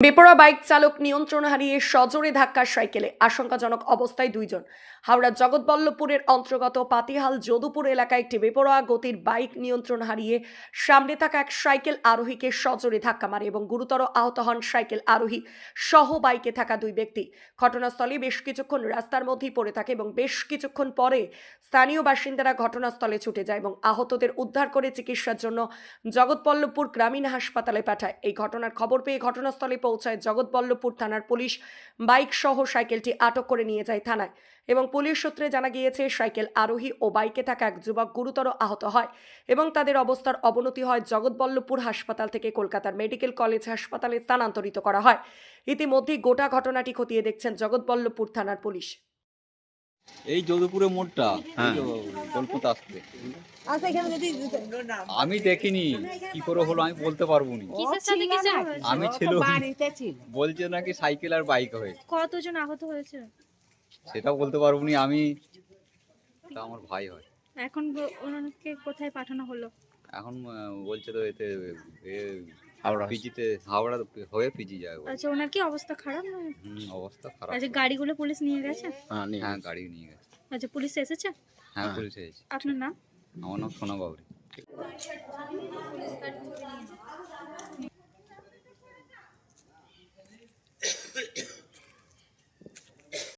বেপরোয়া বাইক চালক নিয়ন্ত্রণ হারিয়ে সজোরে ধাক্কা সাইকেলে, আশঙ্কাজনক অবস্থায় দুইজন। হাওড়ার জগৎবল্লভপুরের অন্তর্গত পাতিহাল যদুপুর এলাকায় একটি বেপরোয়া গতির বাইক নিয়ন্ত্রণ হারিয়ে সামনে থাকা এক সাইকেল আরোহীকে সজোরে ধাক্কা মারে এবং গুরুতর আহত হন সাইকেল আরোহী সহ বাইকে থাকা দুই ব্যক্তি। ঘটনাস্থলে বেশ কিছুক্ষণ রাস্তার মধ্যেই পড়ে থাকে এবং বেশ কিছুক্ষণ পরে স্থানীয় বাসিন্দারা ঘটনাস্থলে ছুটে যায় এবং আহতদের উদ্ধার করে চিকিৎসার জন্য জগৎবল্লভপুর গ্রামীণ হাসপাতালে পাঠায়। এই ঘটনার খবর পেয়ে ঘটনাস্থলে পৌঁছায় জগৎবল্লভপুর থানার পুলিশ। বাইক সহ সাইকেলটি আটক করে নিয়ে যায় থানায় এবং পুলিশ সূত্রে জানা গিয়েছে সাইকেল আরোহী ও বাইকে থাকা এক যুবক গুরুতর আহত হয় এবং তাদের অবস্থার অবনতি হয় জগৎবল্লভপুর হাসপাতাল থেকে কলকাতার মেডিকেল কলেজ হাসপাতালে স্থানান্তরিত করা হয়। ইতিমধ্যেই গোটা ঘটনাটি খতিয়ে দেখছেন জগৎবল্লভপুর থানার পুলিশ। এই যদুপুরে মোড়টা কলকাতা আসতে আমি দেখিনি, কি করে হলো আমি বলতে পারবো না। আমি ছিল বলছে নাকি সাইকেল আর বাইক হয়েছে। কতজন আহত হয়েছে সেটা বলতে পারবো না আমি, আমার ভাই হয়। এখন ওনাকে কোথায় পাঠানো হলো? এখন বলছে তো এতে পিজিতে, হাওড়া হয়ে পিজি যায়। আচ্ছা, ওনার কি অবস্থা খারাপ না? অবস্থা খারাপ। আচ্ছা, গাড়িগুলো পুলিশ নিয়ে গেছে? হ্যাঁ গাড়ি নিয়ে গেছে। আচ্ছা, পুলিশ এসেছে? হ্যাঁ পুলিশ এসেছে। আপনার নাম? আমার নাম সোনা বাবরি।